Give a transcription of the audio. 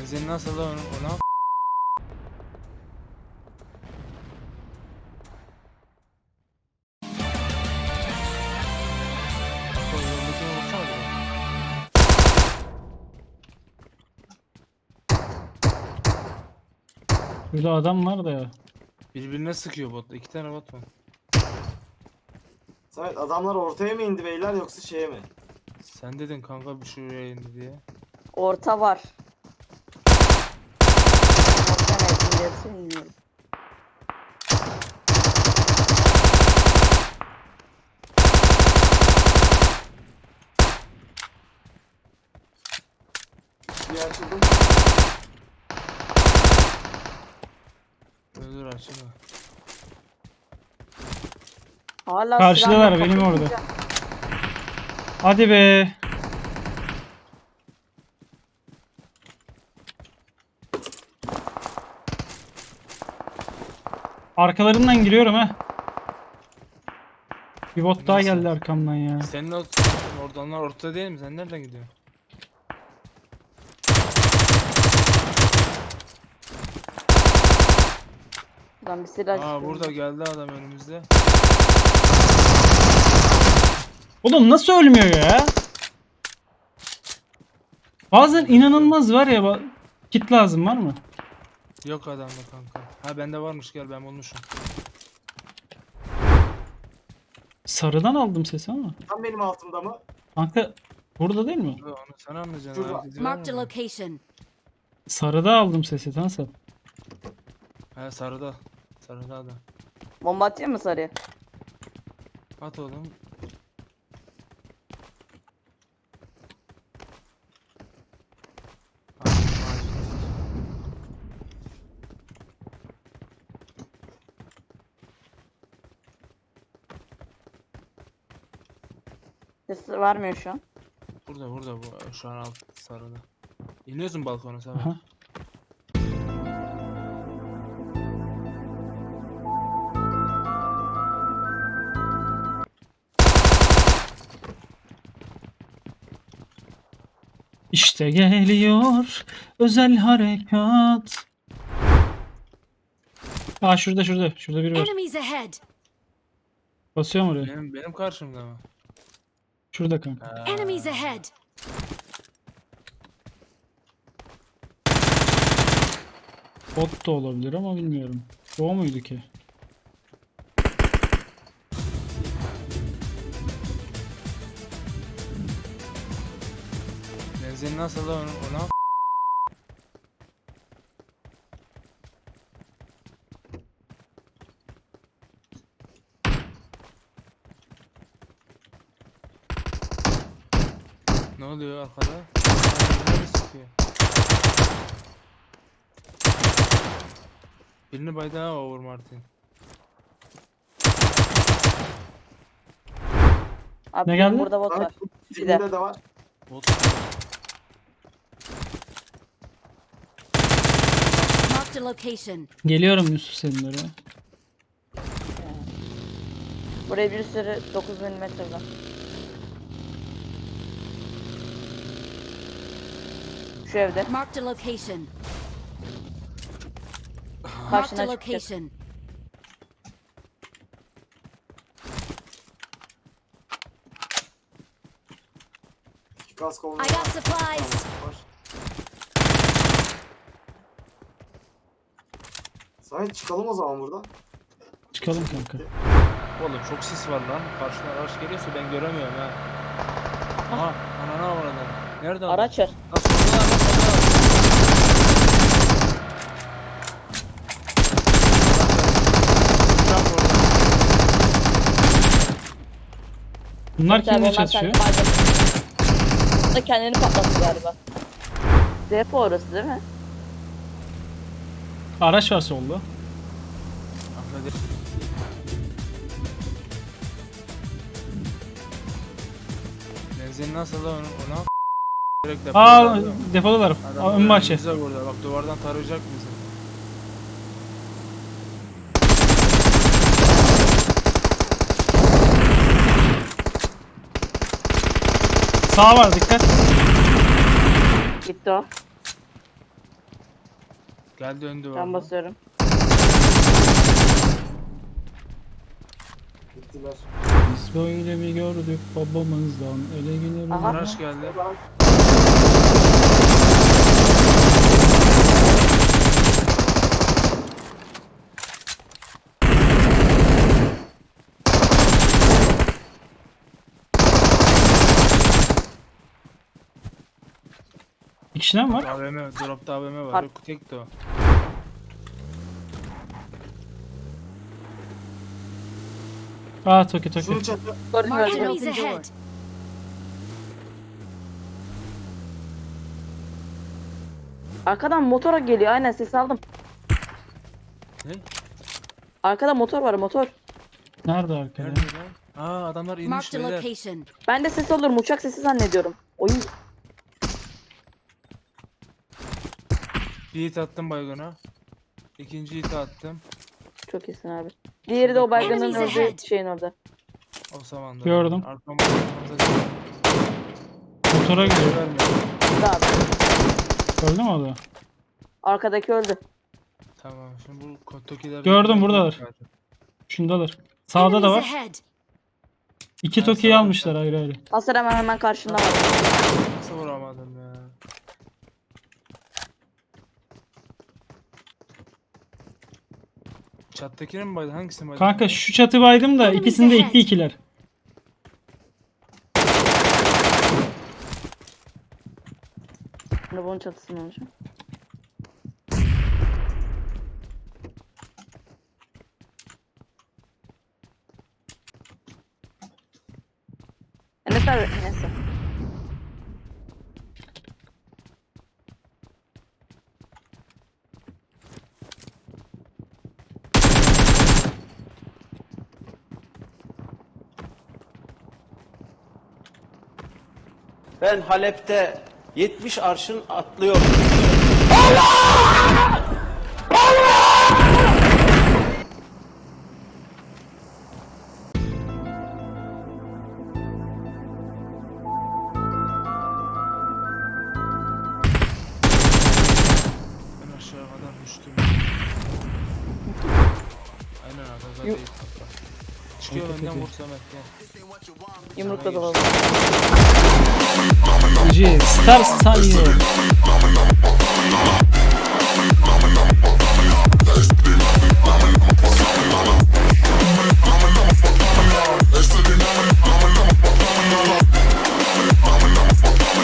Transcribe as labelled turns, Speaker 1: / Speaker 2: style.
Speaker 1: Benzin nasıl da ona?
Speaker 2: Burada adam var da ya.
Speaker 1: Birbirine sıkıyor bot. 2 tane bot var.
Speaker 3: Samet adamlar ortaya mı indi beyler yoksa şeye mi?
Speaker 1: Sen dedin kanka bir şuraya indi diye.
Speaker 4: Orta var. Orta ne bilirsin bilmiyorum.
Speaker 3: Bir açıldım.
Speaker 1: Dur açılma.
Speaker 4: Hala
Speaker 2: Karşıdalar,
Speaker 4: silahla
Speaker 2: benim
Speaker 4: kapatınca-
Speaker 2: orada. Hadi be. Arkalarından giriyorum ha. Bir bot daha
Speaker 1: Nasıl?
Speaker 2: geldi arkamdan ya.
Speaker 1: Senin oradanlar ortada değil mi? Sen nereden gidiyorsun?
Speaker 4: Buradan bir silah
Speaker 1: Aa
Speaker 4: çıkıyor.
Speaker 1: burada geldi adam önümüzde.
Speaker 2: Oğlum nasıl ölmüyor ya? Bazen inanılmaz var ya. Kit lazım var mı?
Speaker 1: Yok adamda kanka. Ha bende varmış, gel ben bulmuşum.
Speaker 2: Sarıdan aldım sesi ama.
Speaker 3: Tam benim altımda mı?
Speaker 2: Kanka burada değil mi?
Speaker 1: Onu sen anlayacaksın.
Speaker 3: Şurada.
Speaker 1: Herkesi
Speaker 5: Marked a
Speaker 1: var mı?
Speaker 5: location.
Speaker 2: Sarıda aldım sesi nasıl?
Speaker 1: He sarıda. Sarıda adam.
Speaker 4: Bomba atayım mı sarıya?
Speaker 1: At oğlum. At, at.
Speaker 4: Ses vermiyor şu an.
Speaker 1: Burada bu şu an alt sarıda. İniyorsun balkona sen.
Speaker 2: Aha. İşte geliyor özel harekat. Aa şurada biri var.
Speaker 5: Enemies ahead.
Speaker 2: Basıyorum oraya.
Speaker 1: Benim karşımda mı?
Speaker 2: Şurada kanka.
Speaker 1: Ha,
Speaker 5: Enemies ahead.
Speaker 2: Bot da olabilir ama bilmiyorum. O muydu ki?
Speaker 1: benzin nasıl da ona? Ne oluyor arkada? Nereye sıkıyor? Birini baydı ha Over Martin.
Speaker 4: Abi
Speaker 2: Ne
Speaker 4: benim
Speaker 2: geldi?
Speaker 4: burada bot var.
Speaker 3: Samet dibinde de var.
Speaker 1: Bot.
Speaker 5: Marked a location.
Speaker 2: Geliyorum Yusuf senin oraya.
Speaker 4: Buraya bir sürü 9 milimetre var. Şu evde.
Speaker 5: Marked a location. Marked
Speaker 4: Karşına
Speaker 5: a
Speaker 4: çıkacak.
Speaker 5: location.
Speaker 3: İki kask olmalı.
Speaker 5: I got supplies.
Speaker 3: Var. Samet çıkalım o zaman buradan.
Speaker 2: Çıkalım kanka.
Speaker 1: Oğlum çok sis var lan. Karşıdan araç geliyorsa ben göremiyorum ha. Aha, anana avradım. Nerede adam?
Speaker 4: Araç var.
Speaker 1: Nasıl solda? Uçak orada.
Speaker 2: Bunlar
Speaker 4: Tabii
Speaker 2: kimle
Speaker 4: onlar
Speaker 2: çatışıyor?
Speaker 4: kendi malzeme- Bu da kendini patlattı galiba. Depo orası değil mi?
Speaker 2: Araç var solda.
Speaker 1: Ahmet. Benzin nasıl da ona? Direkt
Speaker 2: Aa
Speaker 1: depoda.
Speaker 2: depodalar.
Speaker 1: Adam
Speaker 2: Aa, ön bahçe.
Speaker 1: önümüzde burada. Bak duvardan tarayacak bizi.
Speaker 2: Sağ var dikkat.
Speaker 4: Gitti o.
Speaker 1: Geldi öndü
Speaker 4: Ben
Speaker 1: var.
Speaker 4: basıyorum.
Speaker 3: Gittiler.
Speaker 2: Biz böyle bir gördük babamızdan ele gelir.
Speaker 4: Aha.
Speaker 1: Araç geldi.
Speaker 3: Ulan,
Speaker 2: Bir kişiden mi var?
Speaker 1: AVM, dropta AVM var.
Speaker 4: Har-
Speaker 1: Yok, tek de o.
Speaker 2: Aa Toki Toki.
Speaker 3: Şunu çatı.
Speaker 4: Gördüm
Speaker 5: Mark
Speaker 4: gördüm.
Speaker 5: enemies ahead.
Speaker 4: Arkadan motora geliyor. Aynen ses aldım.
Speaker 1: Ne?
Speaker 4: Arkada motor var motor.
Speaker 2: Nerede arkada?
Speaker 1: Nerede lan? Aa adamlar inmiş
Speaker 5: Marked a
Speaker 1: beyler.
Speaker 5: location.
Speaker 4: Ben de ses alıyorum. Uçak sesi zannediyorum. Oy.
Speaker 1: Bir hit attım baygona. İkinci hit attım.
Speaker 4: Çok iyisin abi. Diğeri de o baygının
Speaker 5: Enemies
Speaker 4: öldüğü
Speaker 5: ahead.
Speaker 4: şeyin orada.
Speaker 1: O zamanda.
Speaker 2: Gördüm.
Speaker 1: Arkamda
Speaker 2: Motora gidiyor.
Speaker 1: vermiyor.
Speaker 4: Öldü abi.
Speaker 2: Öldü mü o da?
Speaker 4: Arkadaki öldü.
Speaker 1: Tamam şimdi bu Toki'ler...
Speaker 2: Gördüm, buradalar. Şundalar. Sağda da
Speaker 5: Enemies
Speaker 2: var.
Speaker 5: ahead.
Speaker 2: İki
Speaker 1: Ben
Speaker 2: Toki'yi
Speaker 1: sağda-
Speaker 2: almışlar ayrı ayrı.
Speaker 4: Hasar hemen karşında var.
Speaker 1: Nasıl vuramadım ya? Çattakine mi baydı? Hangisine baydı?
Speaker 2: Kanka şu çatı baydım da
Speaker 5: Enemies
Speaker 2: ikisinde
Speaker 5: ahead.
Speaker 2: 2-2'ler.
Speaker 4: Şimdi bunun çatısını olacak. Enes abi neyse.
Speaker 6: Ben Halep'te 70 arşın atlıyorum.
Speaker 1: Ben aşağı kadar düştüm. Aynen arkada
Speaker 4: Yu-
Speaker 1: değil. Çıkıyor önden vur Samet gel.
Speaker 4: Yumrukla dalalım.
Speaker 2: GG. Star Style.
Speaker 7: Este